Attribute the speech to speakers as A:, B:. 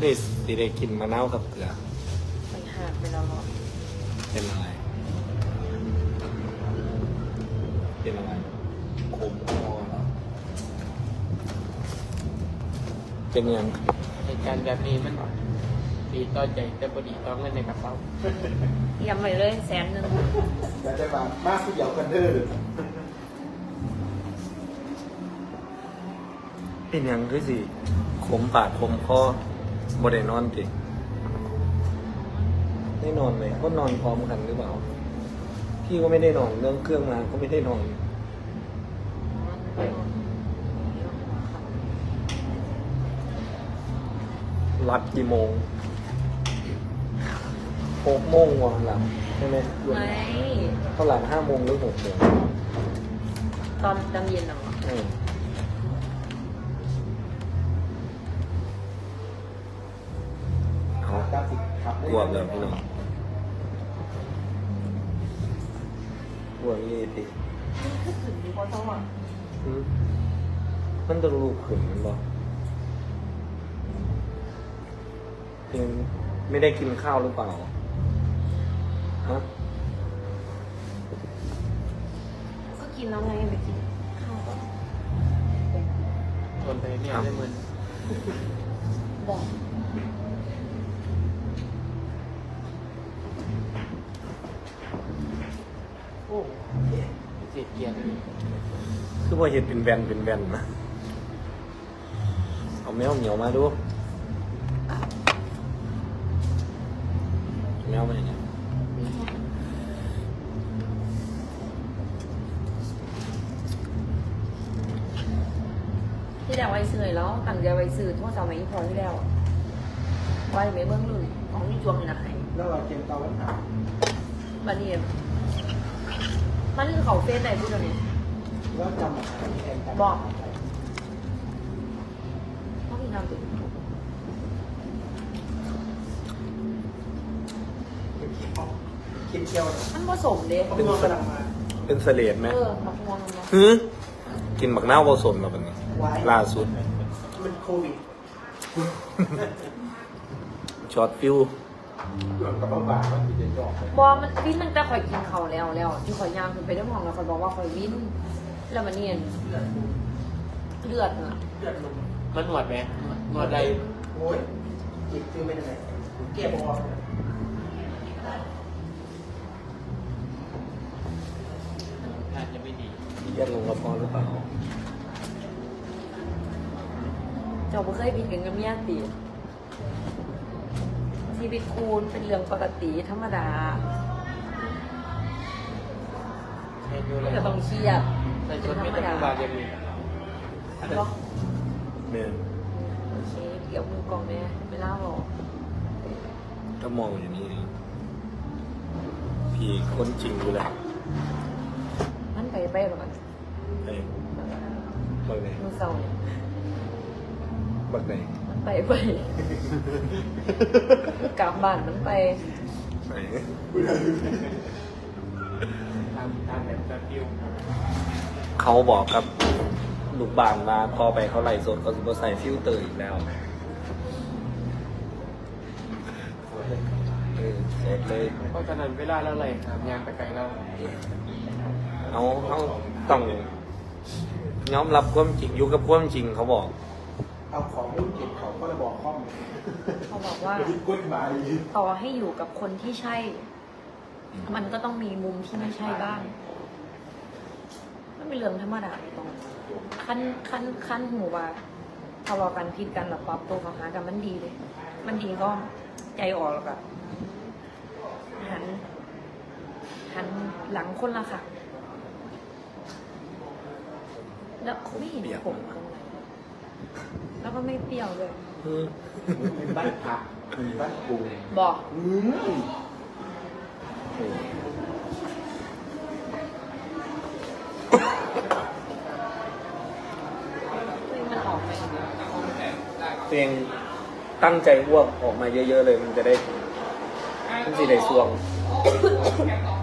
A: ได้สิได้กินมะนาวกับเกลือ
B: มันหักไปแล้วหรอ
A: เป็นอะไรเป็นอะไรขมคอเหรอเป็นยัง
C: เหตุการณ์แบบนี้มันดีต่อใจแต่พอดีต่อเงินในกระเป๋า
B: เตรียมไปเลย100,000
D: อยากจะมากที่เดียวกันเด้อ
A: เป็นยังคือสิขมปากขมคอบ่ได้นอนติได้นอนไหมก็นอนพร้อมกันหรือเปล่าพี่ก็ไม่ได้นอนเรื่องเครื่องมาก็ไม่ได้นอนรับกี่โมง6 โมงวันหลังใช่ไหม
B: ไม่
A: เท่าหลัง5 โมงหรือ6 โมง
B: ตอนเย็นเหรอ
A: เอากลัวเลยพี่น้องกลัวยี่ติมันต้องลูกขึ้นมันบอกยังไม่ได้กินข้าวหรือเปล่าฮะ
B: ก็กินแล้วไงไปกินข้าวก่อน
C: ทนไปเนี่ยได้เหมือน
B: บอก
C: โอ้เสียเกียรติ
A: คือว่าเห็ดเป็นแวนนะเอาแมวเหนียวมาดูแมวมันอย่างเงี้ย
B: ที่แล้วไว้ซื้อแล้วตั้งใจไว้ซื้อโทษสาวไม่พอที่แล้วไว้ไม่เบิ้งเลยของนี่จวงนี่นะให้
D: แล้วเราเกมเตาวันถาม
B: บันนี้มันคือเขาเฟซไหนพูดตรงนี้
D: แล้วจำอาหารที่แทนกัน
B: บอกเขามีนามติด
D: คิดเที่ยว
B: มันผสมเด้
D: เขาเป็นกำลังมา
A: เป็นเสลดไหม
B: มะม่วงเนาะ
A: ฮึกินบักนาวผสมมาแบบนี้ล่าสุด
D: มันโควิด
A: ช็อตฟิว
D: หล่นกับบ้าบามันมีเด็กดอก
B: บอกมันวินตั้งแต่ข่อยกินเขาแล้วที่ข่อยย่างขึ้นไปได้มองแล้วข่อยบอกว่าข่อยวินแล้วมันเนียนเลือดอ่ะ
C: มันหนวดไหมหนวดใด
D: โอ้ยจิตคือเป็นยังไงเก็บออก
C: อาจจะไม่ดี
A: แยกลงกระเพาะหรือเปล่า
B: เจ้าบ่เคยบินกันกับเมียติชีวิตคูณเป็นเรื่องปกติธรรมดา
C: เห็นอยู่เลย
B: ก็ต้องเครียด
C: แต่ชุดไม่ต้องบาดยังมี
B: เนาะ
A: เนี่ย
B: โอเคเกี่ยวมือกองแม่ไม่เล่าหรอก
A: ถ้ามองอย่างนี้พี่คนจริงอยู่แหละ
B: มันไปหรอกมัน
A: ไอ้บักไหน
B: มือเศร้าเนี่ย
A: บักไหน
B: มันไปกลับบ้านมันไป
A: ไหน
C: ตามแบบแบบดิว
A: เขาบอกกับลูกบ้านมาพอไปเขาไล่สดเขาจะใส่ฟิลเตอร์อีกแล้วสดเลย
C: เพราะฉะนั้นเวลาเราไหลงานไปไกลเรา
A: เขาต้องยอมรับความจริงอยู่กับความจริงเขาบอก
D: เอาของรุ่นเก็บของก็ระบอกข้อม
B: เขาบอกว่า
D: ยึดกฎหมาย
B: ต่อให้อยู่กับคนที่ใช่ มันก็ต้องมีมุมที่ไม่ใช่บ้างมันเป็นเรื่องธรรมดาตรงขั้นหูว่าทะเลาะกันผิดกันหรือปรับตัวเขาหากันมันดีเลย มันดีก็ใจออกแล้วก็หันหลังคนละค่ะ แล้วไม่เห็นผมตรงไหนแล้วก็ไม่เปรี้ยวเลย
D: เป็นบ้านพักมีบ้านปู
B: บอก มันออกไป
A: ตัวเองตั้งใจอ้วกออกมาเยอะๆเลยมันจะได้มันสิได้สวง